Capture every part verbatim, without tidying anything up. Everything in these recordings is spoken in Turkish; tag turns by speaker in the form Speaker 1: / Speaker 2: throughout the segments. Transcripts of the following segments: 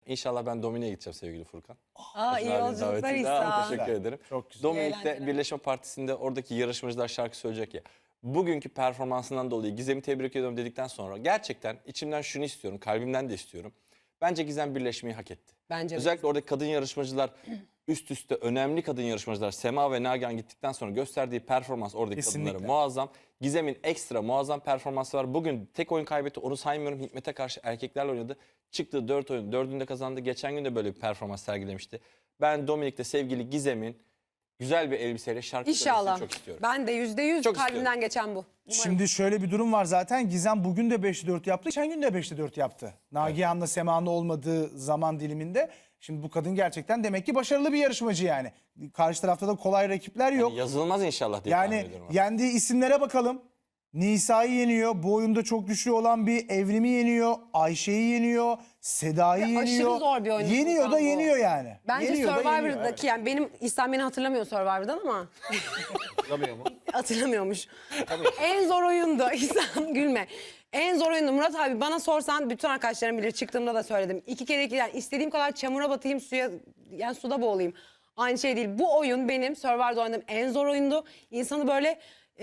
Speaker 1: İnşallah ben Domine'ye gideceğim sevgili Furkan.
Speaker 2: Aa, iyi yolculuklar İhsan.
Speaker 1: Teşekkür ederim.
Speaker 3: Çok güzel.
Speaker 1: Dominik'te Birleşme Partisi'nde oradaki yarışmacılar şarkı söyleyecek ya. Bugünkü performansından dolayı Gizem'i tebrik ediyorum dedikten sonra gerçekten içimden şunu istiyorum, kalbimden de istiyorum. Bence Gizem birleşmeyi hak etti.
Speaker 2: Bence de.
Speaker 1: Özellikle oradaki kadın yarışmacılar üst üste önemli kadın yarışmacılar Sema ve Nagihan gittikten sonra gösterdiği performans oradaki
Speaker 3: Kesinlikle.
Speaker 1: kadınlara muazzam. Gizem'in ekstra muazzam performansı var. Bugün tek oyun kaybetti, onu saymıyorum. Hikmet'e karşı erkeklerle oynadı. Çıktığı dört oyun, dördünde kazandı. Geçen gün de böyle bir performans sergilemişti. Ben Dominik'te sevgili Gizem'in güzel bir elbiseyle şarkı
Speaker 2: İnşallah.
Speaker 1: söylemesini çok istiyorum.
Speaker 2: Ben de yüzde yüz
Speaker 1: Çok
Speaker 2: kalbimden
Speaker 1: istiyorum.
Speaker 2: geçen bu. Umarım.
Speaker 3: Şimdi şöyle bir durum var zaten. Gizem bugün de beşte dört yaptı. Geçen gün de beşte dört yaptı. Nagihan'la Sema'nın olmadığı zaman diliminde. Şimdi bu kadın gerçekten demek ki başarılı bir yarışmacı yani. Karşı tarafta da kolay rakipler yok.
Speaker 1: Yani yazılmaz inşallah diye tahmin
Speaker 3: Yani
Speaker 1: ediyorum.
Speaker 3: yendiği isimlere bakalım. Nisa'yı yeniyor. Bu oyunda çok güçlü olan bir Evrim'i yeniyor. Ayşe'yi yeniyor. Seda'yı
Speaker 2: Ve aşırı
Speaker 3: yeniyor.
Speaker 2: zor bir oyun
Speaker 3: Yeniyor
Speaker 2: Furkan
Speaker 3: da
Speaker 2: bu.
Speaker 3: yeniyor yani.
Speaker 2: Bence
Speaker 3: Yeniyor da yeniyor.
Speaker 2: Survivor'daki yani benim İhsan beni hatırlamıyor Survivor'dan ama
Speaker 4: Hatırlamıyor mu?
Speaker 2: hatırlamıyormuş. En zor oyundu İhsan gülme. En zor oyundu Murat abi, bana sorsan bütün arkadaşlarım bilir, çıktığımda da söyledim. İki kere iki yani istediğim kadar çamura batayım, suya yani suda boğulayım. Aynı şey değil. Bu oyun benim Survivor'da oynadığım en zor oyundu. İnsanı böyle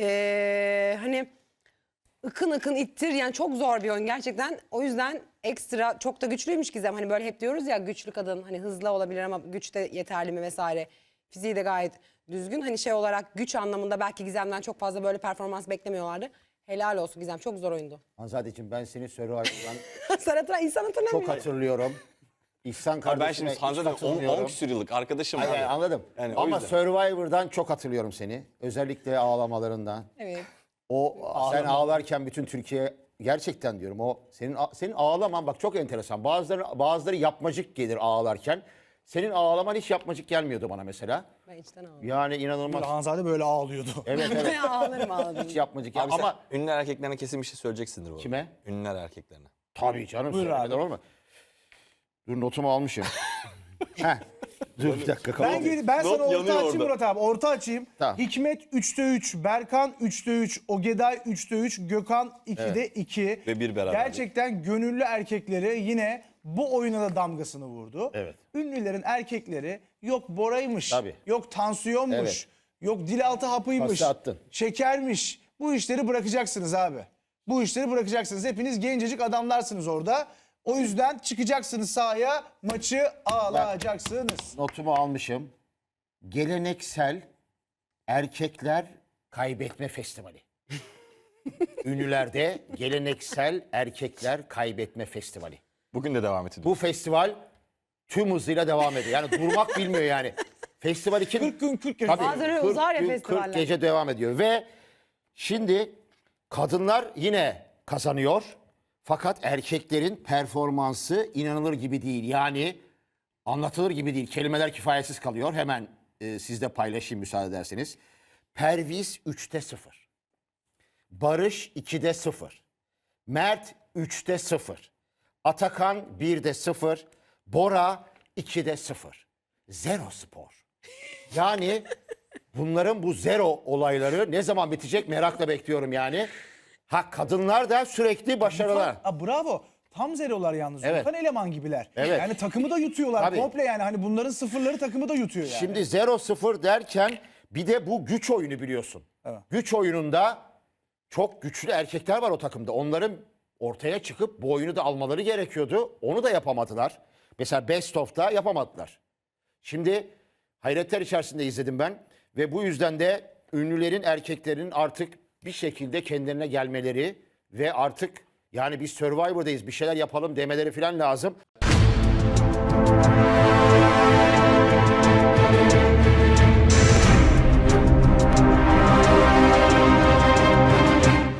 Speaker 2: eee, hani ıkın ıkın ittir yani, çok zor bir oyun gerçekten. O yüzden ekstra çok da güçlüymüş Gizem. Hani böyle hep diyoruz ya, güçlü kadın hani hızlı olabilir ama güç de yeterli mi vesaire. Fiziği de gayet düzgün. Hani şey olarak güç anlamında belki Gizem'den çok fazla böyle performans beklemiyorlardı. Helal olsun Gizem, çok zor oyundu.
Speaker 4: Hanzadeciğim, ben seni Survivor'dan
Speaker 2: Sen hatırla, insan hatırlamıyor.
Speaker 4: çok hatırlıyorum. İhsan
Speaker 1: Abi
Speaker 4: kardeşime
Speaker 1: ben şimdi
Speaker 4: hiç
Speaker 1: Hanza'da
Speaker 4: katılmıyorum.
Speaker 1: on küsur yıllık arkadaşım.
Speaker 4: Hayır,
Speaker 1: abi.
Speaker 4: hayır, anladım.
Speaker 1: Yani o
Speaker 4: Ama
Speaker 1: yüzden.
Speaker 4: Survivor'dan çok hatırlıyorum seni. Özellikle ağlamalarından.
Speaker 2: Evet.
Speaker 4: O sen ağlarken bütün Türkiye, gerçekten diyorum, o senin senin ağlaman bak çok enteresan. Bazıları bazıları yapmacık gelir ağlarken. Senin ağlaman hiç yapmacık gelmiyordu bana mesela.
Speaker 2: Ben içten ağladım.
Speaker 4: Yani inanılmaz.
Speaker 3: Hanzade böyle ağlıyordu.
Speaker 4: Evet evet.
Speaker 2: Ben ağlarım ağladım.
Speaker 4: Hiç yapmacık
Speaker 1: Abi
Speaker 4: ama
Speaker 1: sen ünlüler erkeklerine kesin bir şey söyleyeceksindir bu arada.
Speaker 4: Kime?
Speaker 1: Ünlüler erkeklerine.
Speaker 4: tabii canım.
Speaker 3: Buyur
Speaker 4: söylemeden
Speaker 3: abi.
Speaker 4: olur mu? Dur, notumu almışım. Heh. Dur bir dakika.
Speaker 3: Ben,
Speaker 4: kaldı.
Speaker 3: gel- ben sana
Speaker 1: Not
Speaker 3: orta
Speaker 1: yanıyor
Speaker 3: açayım
Speaker 1: orada.
Speaker 3: Murat abi. Orta açayım.
Speaker 4: Tamam.
Speaker 3: Hikmet üçte üç, Berkan üçte üç, Ogeday üçte üç, Gökhan ikide iki.
Speaker 1: Ve bir beraber.
Speaker 3: Gerçekten gönüllü erkekleri yine bu oyuna da damgasını vurdu.
Speaker 4: Evet.
Speaker 3: Ünlülerin erkekleri yok Bora'ymış,
Speaker 4: Tabii.
Speaker 3: yok tansiyonmuş,
Speaker 4: Evet.
Speaker 3: yok dilaltı hapıymış,
Speaker 4: Pası attın.
Speaker 3: şekermiş. Bu işleri bırakacaksınız abi. Bu işleri bırakacaksınız. Hepiniz gencecik adamlarsınız orada. O yüzden çıkacaksınız sahaya, maçı alacaksınız.
Speaker 4: Notumu almışım. Geleneksel erkekler kaybetme festivali. Ünlülerde geleneksel erkekler kaybetme festivali.
Speaker 1: Bugün de devam ediyor.
Speaker 4: Bu festival tüm hızıyla devam ediyor. Yani durmak bilmiyor yani. Festival için
Speaker 3: kırk gün kırk gece.
Speaker 4: Tabii,
Speaker 2: Bazen
Speaker 4: kırk
Speaker 2: uzar ya
Speaker 4: gün,
Speaker 2: festivaller.
Speaker 4: kırk gece devam ediyor ve şimdi kadınlar yine kazanıyor. Fakat erkeklerin performansı inanılır gibi değil. Yani anlatılır gibi değil. Kelimeler kifayetsiz kalıyor. Hemen e, sizle paylaşayım müsaade ederseniz. Perviz üçte sıfır. Barış ikide sıfır. Mert üçte sıfır. Atakan birde sıfır. Bora ikide sıfır. Zero spor. Yani bunların bu zero olayları ne zaman bitecek merakla bekliyorum yani. Ha, kadınlar da sürekli başarılar.
Speaker 3: Aa, bravo. Tam zerolar yalnız.
Speaker 4: Evet.
Speaker 3: Volkan eleman gibiler.
Speaker 4: Evet.
Speaker 3: Yani takımı da yutuyorlar
Speaker 4: Tabii.
Speaker 3: komple yani. Hani bunların sıfırları takımı da yutuyor yani.
Speaker 4: Şimdi zero sıfır derken bir de bu güç oyunu biliyorsun.
Speaker 3: Evet.
Speaker 4: Güç oyununda çok güçlü erkekler var o takımda. Onların ortaya çıkıp bu oyunu da almaları gerekiyordu. Onu da yapamadılar. Mesela Best of'ta yapamadılar. Şimdi hayretler içerisinde izledim ben. Ve bu yüzden de ünlülerin, erkeklerin artık bir şekilde kendilerine gelmeleri ve artık yani biz Survivor'dayız, bir şeyler yapalım demeleri falan lazım.